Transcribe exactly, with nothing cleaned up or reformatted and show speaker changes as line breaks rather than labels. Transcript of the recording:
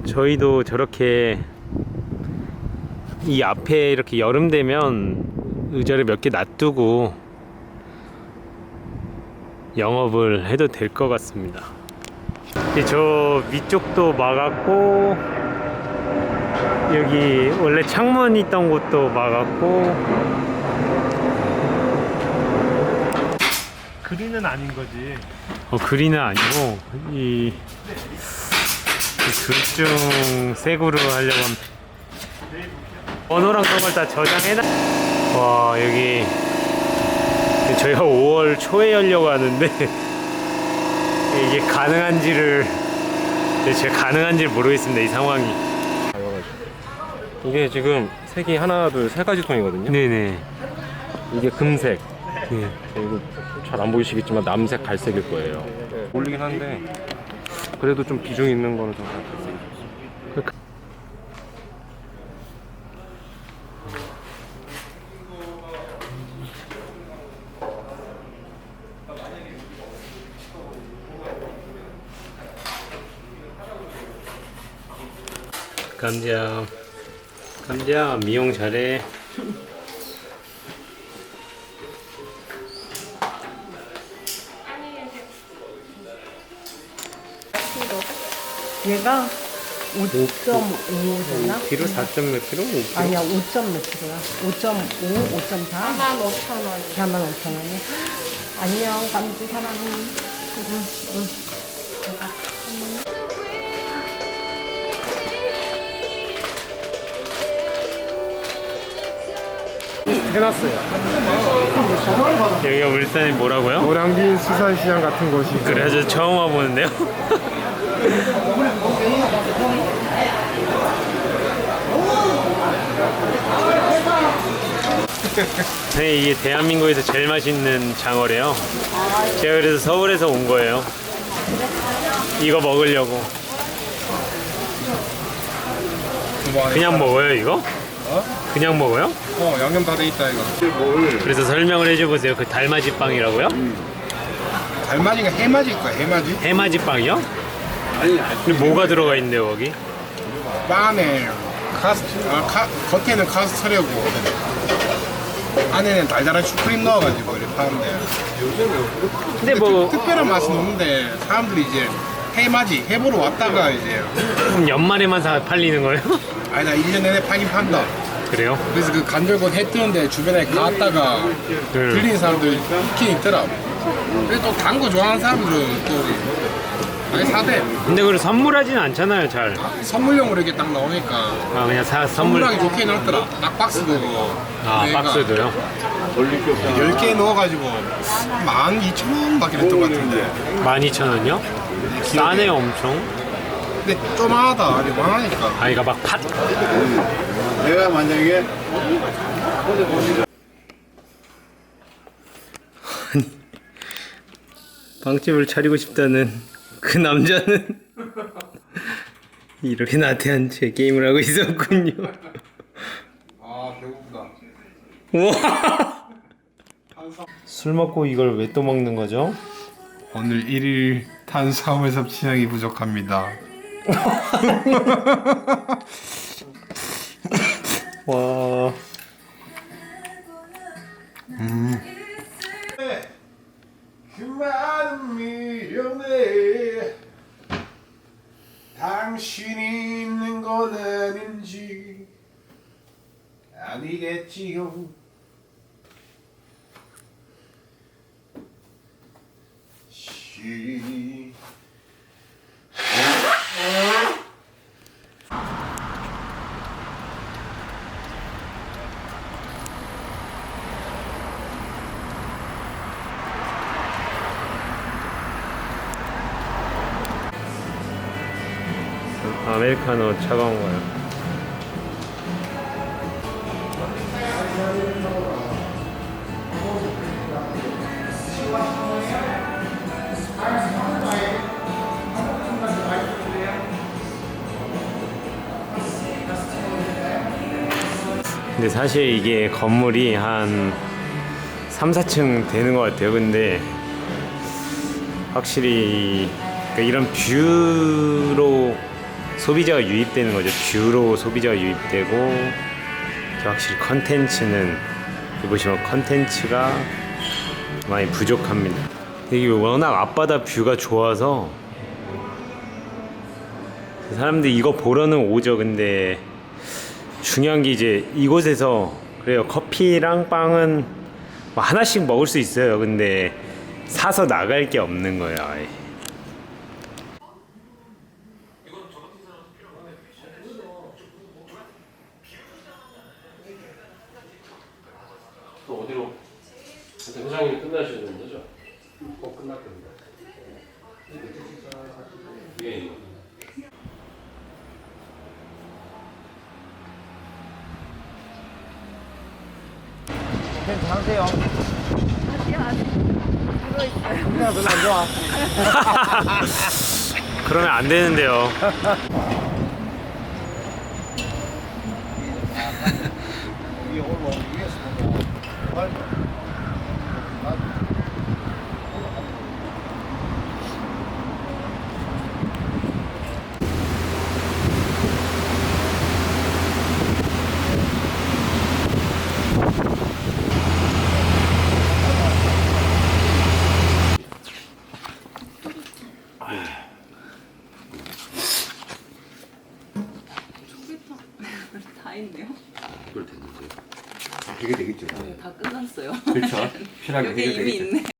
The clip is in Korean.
저희도 저렇게 이 앞에 이렇게 여름 되면 의자를 몇 개 놔두고 영업을 해도 될 것 같습니다. 저 위쪽도 막았고, 여기 원래 창문 있던 곳도 막았고. 그린은 아닌 거지. 어, 그린은 아니고 이 둘 중 색으로 하려고 합니다. 번호랑 그런 걸 다 저장해놔. 와, 여기 저희가 오월 초에 열려고 하는데 이게 가능한지를 제가 가능한지를 모르겠습니다. 이 상황이.
이게 지금 색이 하나, 둘, 세 가지 톤이거든요.
네네.
이게 금색.
네.
이거 잘 안 보이시겠지만 남색, 갈색일 거예요. 어울리긴 한데 그래도 좀 비중 있는 거는 좀 갈색이 좋습니다.
감자, 감자 미용 잘해.
얘가 오 점 오 되나?
키로 사 점 몇 킬로?
아니야, 오 점 몇 킬로야? 오 점 오, 오 점 사? 사만 오천 원. 사만 오천 원이? 안녕, 감지 사랑해. 응, 응.
해놨어요.
여기가 울산이 뭐라고요?
노량진 수산시장 같은 곳이.
그래, 저 처음 와보는데요. 네, 이게 대한민국에서 제일 맛있는 장어래요. 제가 그래서 서울에서 온 거예요. 이거 먹으려고. 그냥 먹어요, 이거? 그냥 먹어요?
어, 양념 다 돼 있다 이거.
그래서 설명을 해줘보세요. 그 달맞이 빵이라고요?
달맞이가 해맞이일 거야, 해맞이.
해맞이 빵이요? 근데 뭐가 들어가 있는데요, 거기?
빵 안에 카스, 아, 카, 겉에는 카스터려고 안에는 달달한 슈크림 넣어가지고 이렇게 파는데.
근데 뭐
특, 특별한 맛은 없는데 사람들이 이제 해맞이, 해보러 왔다가 이제
그럼 연말에만 사 팔리는 거예요?
아니 나 일 년 내내 파긴 판다.
그래요?
그래서 그 간절곶 해 뜨는데 주변에 갔다가 들리는 사람들 있긴 있더라. 근데 또 단 거 좋아하는 사람들은 또 많이 사대.
근데 그걸 선물하진 않잖아요, 잘.
선물용으로 이렇게 딱 나오니까
아, 그냥 사 선물.
선물하기 좋게 해놨더라. 딱 박스도.
아,
얘가
박스도요?
열 개 넣어가지고 만 이천 원 밖에 냈던 것 같은데.
만 이천 원이요? 싸네요, 엄청.
근데 쪼마하다. 요만하니까.
아, 이거 막 팥.
내가 만약에
빵집을 차리고 싶다는 그 남자는 이렇게 나태한 채 게임을 하고 있었군요.
아 배고프다.
우와. 술 먹고 이걸 왜 또 먹는 거죠?
오늘 일 일 탄수화물 섭취량이 부족합니다.
와.
그 많은 미련에 당신이 있는 건 아닌지 아니겠지요. 시
아메리카노 차가운 거요. 근데 사실 이게 건물이 한 삼, 사 층 되는 것 같아요. 근데 확실히 그러니까 이런 뷰로 소비자가 유입되는 거죠. 뷰로 소비자가 유입되고 확실히 컨텐츠는 여기 보시면 컨텐츠가 많이 부족합니다. 이게 워낙 앞바다 뷰가 좋아서 사람들이 이거 보러는 오죠. 근데 중요한 게 이제 이곳에서 그래요. 커피랑 빵은 뭐 하나씩 먹을 수 있어요. 근데 사서 나갈 게 없는 거예요. 아예.
또 어디로? 회장님 끝나시는 거죠? 꼭 끝났답니다. 위에 있는 거.
괜찮으세요? 그냥 별로 안 좋아.
그러면 안 되는데요.
위에 올라 위에서 보면
다 있네요.
그걸 됐는데.
되게 되겠죠.
다 끝났어요.
그렇죠. 편하게
여기 이미
해결되겠죠.
있네.